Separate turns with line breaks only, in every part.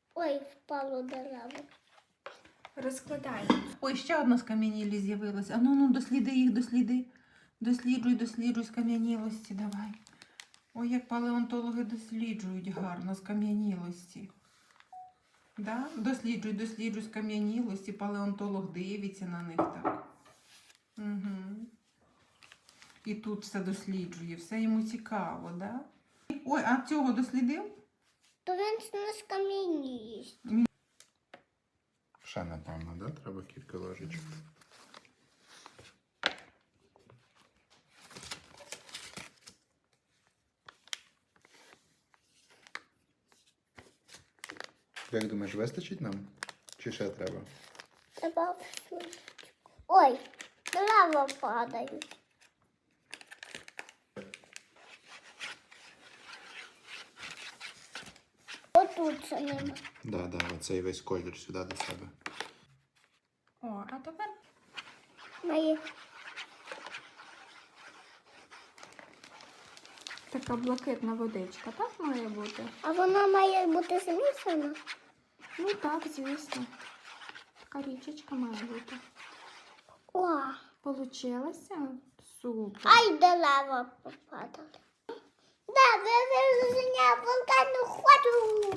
Ой, впало дерево.
Розкладай.
Ой, ще одна скам'янілість з'явилася. А ну, досліди їх, досліди. Досліджуй скам'янілості, давай. Ой, як палеонтологи досліджують гарно скам'янілості. Да? Досліджуй скам'янілості, палеонтолог дивиться на них так. Угу. І тут все досліджує, все йому цікаво, да? Ой, а цього дослідив?
То він не скам'яність.
Ще, напевно, да? Треба кілька ложечок. Як думаєш, вистачить нам? Чи ще треба?
Треба в сумочку. Ой, дерева падають. Отут це нема.
Да, оцей весь колір сюди до себе.
О, а тепер
Мої.
така блакитна водичка, так має бути?
А вона має бути змішана?
Ну так, звісно. Така річечка має бути.
О,
Получилося? Супер.
ай, дерева попадали. Да, вивезення вулкану ходу.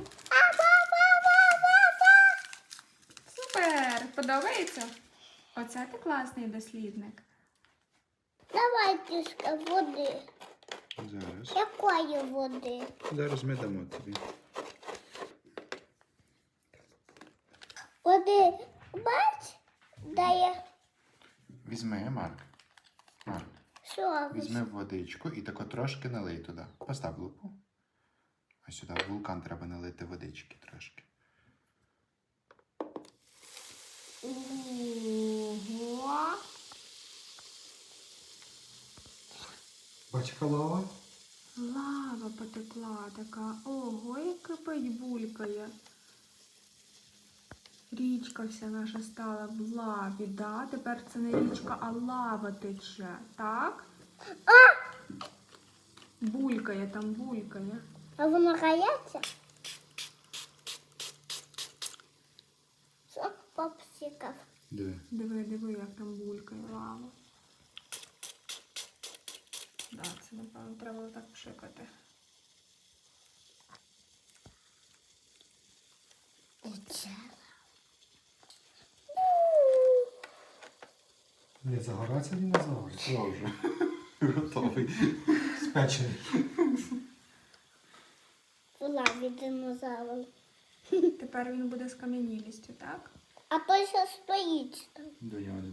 Супер! Подобається? Оце ти класний дослідник.
Давай трішки води.
Зараз.
Якої води?
Зараз ми дамо тобі.
Води, бач, дає
Візьми, Марк. Марк,
що?
візьми водичку і тако трошки налий туди. Постав лупу. А сюди в вулкан треба налити водички трошки.
Ого!
Бачка лава?
Лава потекла така. Ого, як кипить, булькає. Річка вся наша стала в лаві, да? Тепер це не річка, а лава тече, так? Булькає там, булькає.
А воно гається? Сок попсикав.
Диви.
Диви, як там булькає лава. Да, це, напевно, треба так пшикати.
Не загорається динозавр.
Все вже. Готовий.
Спечений.
В лаві динозавр.
Тепер він буде з кам'янілістю, так?
А той ще стоїть там.
До нього не